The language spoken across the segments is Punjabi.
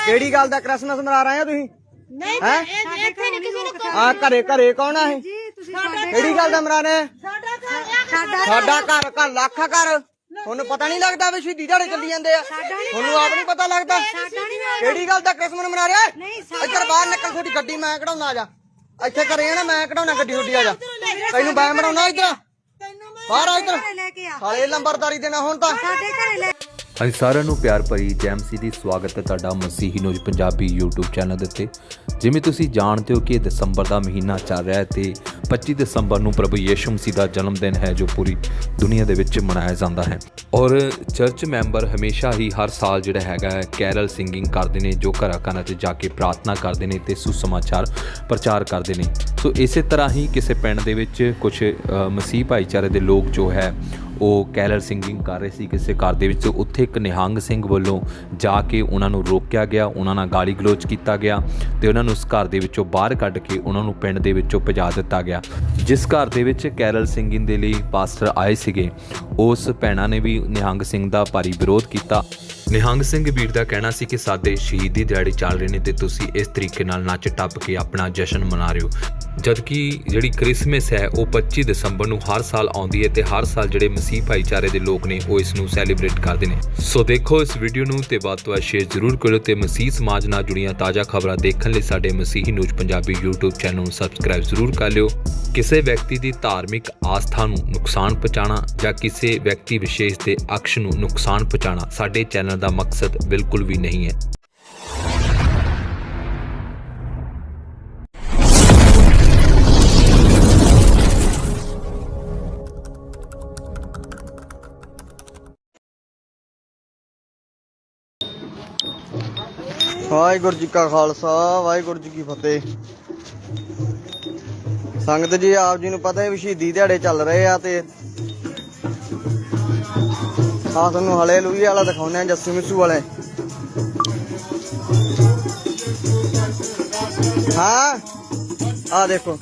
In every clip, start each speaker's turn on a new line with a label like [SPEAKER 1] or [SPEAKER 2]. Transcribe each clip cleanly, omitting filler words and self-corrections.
[SPEAKER 1] ਕਿਹੜੀ ਗੱਲ ਦਾ ਕ੍ਰਿਸਮਸ ਮਨਾ ਰਹੇ ਹੋ ਤੁਸੀਂ?
[SPEAKER 2] ਨਹੀਂ
[SPEAKER 1] ਹੈ
[SPEAKER 2] ਇੱਥੇ ਨਹੀਂ ਕਿਸੇ ਨੂੰ
[SPEAKER 1] ਆ ਘਰੇ ਘਰੇ ਕੌਣ ਆ ਇਹ? ਕਿਹੜੀ ਗੱਲ ਦਾ ਮਨਾ ਰਹੇ? ਸਾਡਾ ਘਰ ਘਰ ਲੱਖ ਘਰ ਤੁਹਾਨੂੰ ਪਤਾ ਨਹੀਂ ਲੱਗਦਾ ਵੀ ਸ਼ਹੀਦੀ ਦਿਹਾੜੇ ਚੱਲੀ ਜਾਂਦੇ ਆ? ਤੁਹਾਨੂੰ ਆਪ ਨਹੀਂ ਪਤਾ ਲੱਗਦਾ ਕਿਹੜੀ ਗੱਲ ਦਾ ਕ੍ਰਿਸਮਸ ਮਨਾ ਰਿਹਾ? ਇੱਧਰ ਬਾਹਰ ਨਿਕਲ, ਤੁਹਾਡੀ ਗੱਡੀ ਮੈਂ ਕਢਾਉਣਾ। ਆ ਜਾ ਇੱਥੇ ਘਰੇ ਆ ਨਾ, ਮੈਂ ਕਢਾਉਣਾ ਗੱਡੀ ਤੁਹਾਡੀ। ਆ ਜਾ ਤੈਨੂੰ ਮੈਂ ਬਣਾਉਣਾ ਇੱਧਰ ਬਾਹਰ ਆ, ਇੱਧਰ ਸਾਲੇ ਲੰਬਰਦਾਰੀ ਦੇਣਾ ਹੁਣ ਤਾਂ।
[SPEAKER 3] ਹਾਂਜੀ ਸਾਰਿਆਂ ਨੂੰ ਪਿਆਰ ਭਰੀ ਜੈ ਮਸੀਹ ਦੀ ਸਵਾਗਤ ਹੈ ਤੁਹਾਡਾ ਮਸੀਹੀ ਨਿਊਜ਼ ਪੰਜਾਬੀ YouTube ਚੈਨਲ ਦੇ ਉੱਤੇ। ਜਿਵੇਂ ਤੁਸੀਂ ਜਾਣਦੇ ਹੋ ਕਿ ਦਸੰਬਰ ਦਾ ਮਹੀਨਾ ਚੱਲ ਰਿਹਾ ਹੈ ਤੇ 25 ਦਸੰਬਰ ਨੂੰ ਪ੍ਰਭੂ ਯਿਸੂ ਮਸੀਹ ਦਾ ਜਨਮ ਦਿਨ ਹੈ ਜੋ ਪੂਰੀ ਦੁਨੀਆ ਦੇ ਵਿੱਚ ਮਨਾਇਆ ਜਾਂਦਾ ਹੈ। ਔਰ ਚਰਚ ਮੈਂਬਰ ਹਮੇਸ਼ਾ ਹੀ ਹਰ ਸਾਲ ਜਿਹੜਾ ਹੈਗਾ ਕੈਰਲ ਸਿੰਗਿੰਗ ਕਰਦੇ ਨੇ, ਜੋ ਘਰਾਂ ਘਰਾਂ 'ਚ ਜਾ ਕੇ ਪ੍ਰਾਰਥਨਾ ਕਰਦੇ ਨੇ ਤੇ ਸੁਸਮਾਚਾਰ ਪ੍ਰਚਾਰ ਕਰਦੇ ਨੇ। ਸੋ ਇਸੇ ਤਰ੍ਹਾਂ ਹੀ ਕਿਸੇ ਪਿੰਡ ਦੇ ਵਿੱਚ ਕੁਝ ਮਸੀਹ ਭਾਈਚਾਰੇ ਦੇ ਲੋਕ ਜੋ ਹੈ ਉਹ ਕੈਰਲ ਸਿੰਗਿੰਗ ਕਰ ਰਹੇ ਸੀ ਕਿਸੇ ਘਰ ਦੇ ਵਿੱਚ। ਉੱਥੇ ਇੱਕ ਨਿਹੰਗ ਸਿੰਘ ਵੱਲੋਂ ਜਾ ਕੇ ਉਹਨਾਂ ਨੂੰ ਰੋਕਿਆ ਗਿਆ, ਉਹਨਾਂ ਨਾਲ ਗਾਲੀ ਗਲੋਚ ਕੀਤਾ ਗਿਆ ਤੇ ਉਹਨਾਂ ਨੂੰ ਉਸ ਘਰ ਦੇ ਵਿੱਚੋਂ ਬਾਹਰ ਕੱਢ ਕੇ ਉਹਨਾਂ ਨੂੰ ਪਿੰਡ ਦੇ ਵਿੱਚੋਂ ਭਜਾ ਦਿੱਤਾ ਗਿਆ। ਜਿਸ ਘਰ ਦੇ ਵਿੱਚ ਕੈਰਲ ਸਿੰਗਿੰਗ ਦੇ ਲਈ ਪਾਸਟਰ ਆਏ ਸੀਗੇ, ਉਸ ਭੈਣਾਂ ਨੇ ਵੀ ਨਿਹੰਗ ਸਿੰਘ ਦਾ ਭਾਰੀ ਵਿਰੋਧ ਕੀਤਾ। ਨਿਹੰਗ ਸਿੰਘ ਵੀਰ ਦਾ ਕਹਿਣਾ ਸੀ ਕਿ ਸਾਡੇ ਸ਼ਹੀਦੀ ਦਿਹਾੜੇ ਚੱਲ ਰਹੇ ਨੇ ਤੇ ਤੁਸੀਂ ਇਸ ਤਰੀਕੇ ਨਾਲ ਨੱਚ ਟੱਪ ਕੇ ਆਪਣਾ ਜਸ਼ਨ ਮਨਾ ਰਹੇ ਹੋ, ਜਦਕਿ ਜਿਹੜੀ ਕ੍ਰਿਸਮਸ ਹੈ ਉਹ 25 ਦਸੰਬਰ ਨੂੰ ਹਰ ਸਾਲ ਆਉਂਦੀ ਹੈ ਤੇ ਹਰ ਸਾਲ ਜਿਹੜੇ ਮਸੀਹ ਭਾਈਚਾਰੇ ਦੇ ਲੋਕ ਨੇ ਉਹ ਇਸ ਨੂੰ ਸੈਲੀਬ੍ਰੇਟ ਕਰਦੇ ਨੇ। ਸੋ ਦੇਖੋ ਇਸ ਵੀਡੀਓ ਨੂੰ ਤੇ ਵੱਧ ਤੋਂ ਵੱਧ ਸ਼ੇਅਰ ਜ਼ਰੂਰ ਕਰੋ ਤੇ ਮਸੀਹ ਸਮਾਜ ਨਾਲ ਜੁੜੀਆਂ ਤਾਜ਼ਾ ਖਬਰਾਂ ਦੇਖਣ ਲਈ ਸਾਡੇ Masihi news Punjabi YouTube channel ਨੂੰ ਸਬਸਕ੍ਰਾਈਬ ਜ਼ਰੂਰ ਕਰ ਲਿਓ। ਕਿਸੇ ਵਿਅਕਤੀ ਦੀ ਧਾਰਮਿਕ ਆਸਥਾ ਨੂੰ ਨੁਕਸਾਨ ਪਹੁੰਚਾਉਣਾ ਜਾਂ ਕਿਸੇ ਵਿਅਕਤੀ ਵਿਸ਼ੇਸ਼ ਦੇ ਅਕਸ਼ ਨੂੰ ਨੁਕਸਾਨ ਪਹੁੰਚਾਉਣਾ ਸਾਡੇ ਚੈਨਲ ਦਾ ਮਕਸਦ ਬਿਲਕੁਲ ਵੀ ਨਹੀਂ ਹੈ।
[SPEAKER 1] ਵਾਹਿਗੁਰੂ ਜੀ ਕਾ ਖਾਲਸਾ ਵਾਹਿਗੁਰੂ ਜੀ ਕੀ ਫਤਿਹ। ਸੰਗਤ ਜੀ, ਆਪ ਜੀ ਨੂੰ ਪਤਾ ਹੈ ਵੀ ਸ਼ਹੀਦੀ ਦਿਹਾੜੇ ਚੱਲ ਰਹੇ ਆ ਤੇ ਤੁਹਾਨੂੰ ਹਾਲੇਲੂਇਆ ਵਾਲਾ ਦਿਖਾਉਂਦੇ ਆ, ਜੱਸੂ ਮਿੱਸੂ ਵਾਲੇ। ਹਾਂ ਆ ਦੇਖੋ,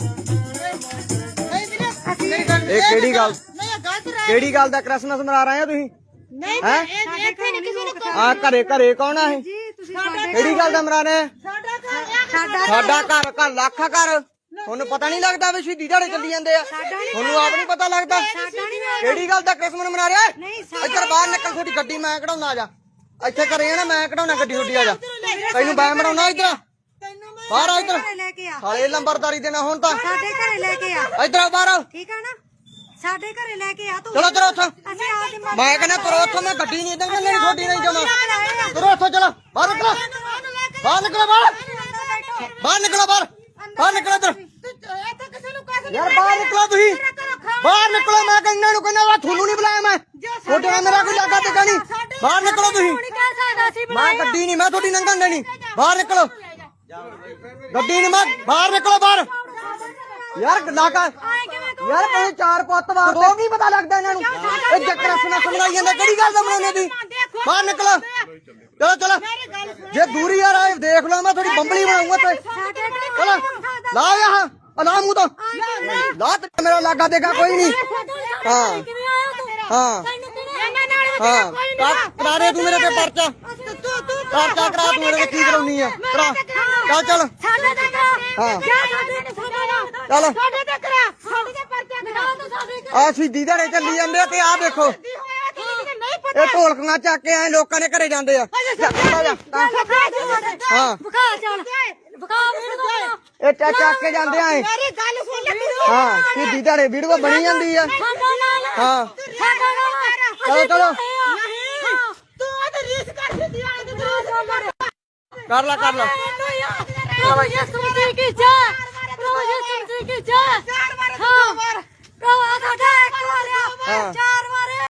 [SPEAKER 1] ਇਹ ਕਿਹੜੀ ਗੱਲ ਦਾ ਕ੍ਰਿਸਮਸ ਮਨਾ ਰਹੇ ਹੋ ਤੁਸੀਂ? ਹੈ
[SPEAKER 2] ਇੱਥੇ ਨਹੀਂ ਕਿਸੇ ਨੂੰ
[SPEAKER 1] ਆ ਘਰੇ ਘਰੇ ਕੌਣ ਆ ਇਹ? ਕਿਹੜੀ ਗੱਲ ਦਾ ਮਨਾ ਰਹੇ? ਸਾਡਾ ਘਰ ਘਰ ਲੱਖ ਘਰ ਤੁਹਾਨੂੰ ਪਤਾ ਨਹੀਂ ਲੱਗਦਾ ਵੀ ਸ਼ਹੀਦੀ ਦਿਹਾੜੇ ਚੱਲੀ ਜਾਂਦੇ ਆ? ਤੁਹਾਨੂੰ ਆਪ ਨਹੀਂ ਪਤਾ ਲੱਗਦਾ ਕਿਹੜੀ ਗੱਲ ਦਾ ਕ੍ਰਿਸਮਸ ਮਨਾ ਰਿਹਾ? ਇੱਧਰ ਬਾਹਰ ਨਿਕਲ, ਤੁਹਾਡੀ ਗੱਡੀ ਮੈਂ ਕਢਾਉਣਾ। ਆ ਜਾ ਇੱਥੇ ਘਰੇ ਆ ਨਾ, ਮੈਂ ਕਢਾਉਣਾ ਗੱਡੀ ਤੁਹਾਡੀ। ਆ ਜਾ ਤੈਨੂੰ ਮੈਂ ਬਣਾਉਣਾ ਇੱਧਰ ਬਾਹਰ ਆ, ਇੱਧਰ ਸਾਲੇ ਲੰਬਰਦਾਰੀ ਦੇਣਾ ਹੁਣ ਤਾਂ।
[SPEAKER 4] ਸਾਡੇ ਘਰੇ ਲੈ ਕੇ ਆ,
[SPEAKER 1] ਇੱਧਰ ਬਾਹਰ
[SPEAKER 4] ਠੀਕ ਆ ਨਾ? ਸਾਡੇ ਘਰੇ ਲੈ ਕੇ ਆ ਤੂੰ।
[SPEAKER 1] ਚਲੋ ਚਲੋ ਉੱਥੋਂ,
[SPEAKER 4] ਅਸੀਂ ਆਪਦੀ
[SPEAKER 1] ਮੈਂ ਕਹਿੰਦਾ ਤੁਰੋ ਉੱਥੋਂ, ਮੈਂ ਗੱਡੀ ਨਹੀਂ ਇੱਧਰ ਲੈਣੀ, ਤੁਹਾਡੀ ਨਹੀਂ ਜਮਾ। ਤੁਰੋ ਉੱਥੋਂ, ਚਲੋ ਬਾਹਰ ਨਿਕਲੋ, ਬਾਹਰ ਨਿਕਲੋ, ਬਾਹਰ ਨਿਕਲੋ, ਬਾਹਰ ਨਿਕਲੋ ਇੱਧਰ ਯਾਰ, ਬਾਹਰ ਨਿਕਲੋ ਤੁਸੀਂ, ਬਾਹਰ ਨਿਕਲੋ। ਮੈਂ ਕਹਿੰਦਾ ਨੂੰ ਕਹਿੰਦਾ ਤੁਹਾਨੂੰ ਨਹੀਂ ਬੁਲਾਇਆ ਮੈਂ, ਤੁਹਾਡੇ ਨਾਲ ਮੇਰਾ ਕੋਈ ਲਾਗਾ ਟਿਕਾ ਨਹੀਂ। ਬਾਹਰ ਨਿਕਲੋ ਤੁਸੀਂ, ਮੈਂ ਗੱਡੀ ਨਹੀਂ, ਮੈਂ ਤੁਹਾਡੀ ਲੰਘਣ ਦੇਣੀ। ਬਾਹਰ ਨਿਕਲੋ, ਗੱਡੀ ਨਹੀਂ ਮੈਂ, ਬਾਹਰ ਨਿਕਲੋ ਬਾਹਰ। ਯਾਰ ਲਾਗਾ ਯਾਰ ਕੋਈ ਚਾਰ ਪੁੱਤ ਵਾਰ ਉਹ ਨਹੀਂ ਪਤਾ ਲੱਗਦਾ ਇਹਨਾਂ ਨੂੰ। ਇਹ ਜੱਕਰ ਸੁਣਾ ਸਮਝਾਈ ਜਾਂਦਾ, ਕਿਹੜੀ ਗੱਲ ਦਾ ਬਣਾਉਣੇ ਤੁਸੀਂ? ਬਾਹਰ ਨਿਕਲੋ, ਚਲੋ ਚਲੋ। ਜੇ ਦੂਰੀ ਯਾਰ ਆਏ ਦੇਖ ਲਓ, ਮੈਂ ਥੋੜੀ ਬੰਬਲੀ ਬਣਾਉਂਗਾ ਤੇ। ਚਲੋ ਲਾ ਯਾਰ ਲਾ ਮੂੰਹ ਤੋਂ ਲਾ, ਮੇਰਾ ਲਾਗਾ ਦੇਗਾ ਕੋਈ ਨਹੀਂ। ਹਾਂ ਹਾਂ ਹਾਂ ਕਰਾ ਦੇ ਤੂੰ ਮੇਰੇ ਤੇ ਪਰਚਾ, ਪਰਚਾ ਕਰਾ ਤੂੰ ਮੇਰੇ ਤੇ। ਕੀ ਕਰਾਉਣੀ ਆ ਕਰਾ, ਚੱਲ ਚੱਲ। ਹਾਂ ਚਲ ਆ ਸ਼ਹੀਦੀ ਦਿਹਾੜੇ ਚੱਲੀ ਜਾਂਦੇ ਆ ਤੇ ਆਹ ਦੇਖੋ ਇਹ ਢੋਲਕਾਂ ਚੱਕ ਕੇ ਆਏ ਲੋਕਾਂ ਦੇ ਘਰੇ ਜਾਂਦੇ ਆ। ਹਾਂ ਇਹ ਚੱਕ ਕੇ ਜਾਂਦੇ ਆ। ਹਾਂ ਸ਼ਹੀਦੀ ਦਿਹਾੜੇ ਵੀਡੀਓ ਬਣੀ ਜਾਂਦੀ ਆ। ਹਾਂ ਚਲੋ ਚਲੋ ਕਰ ਲਾ ਕਰ ਲਾ।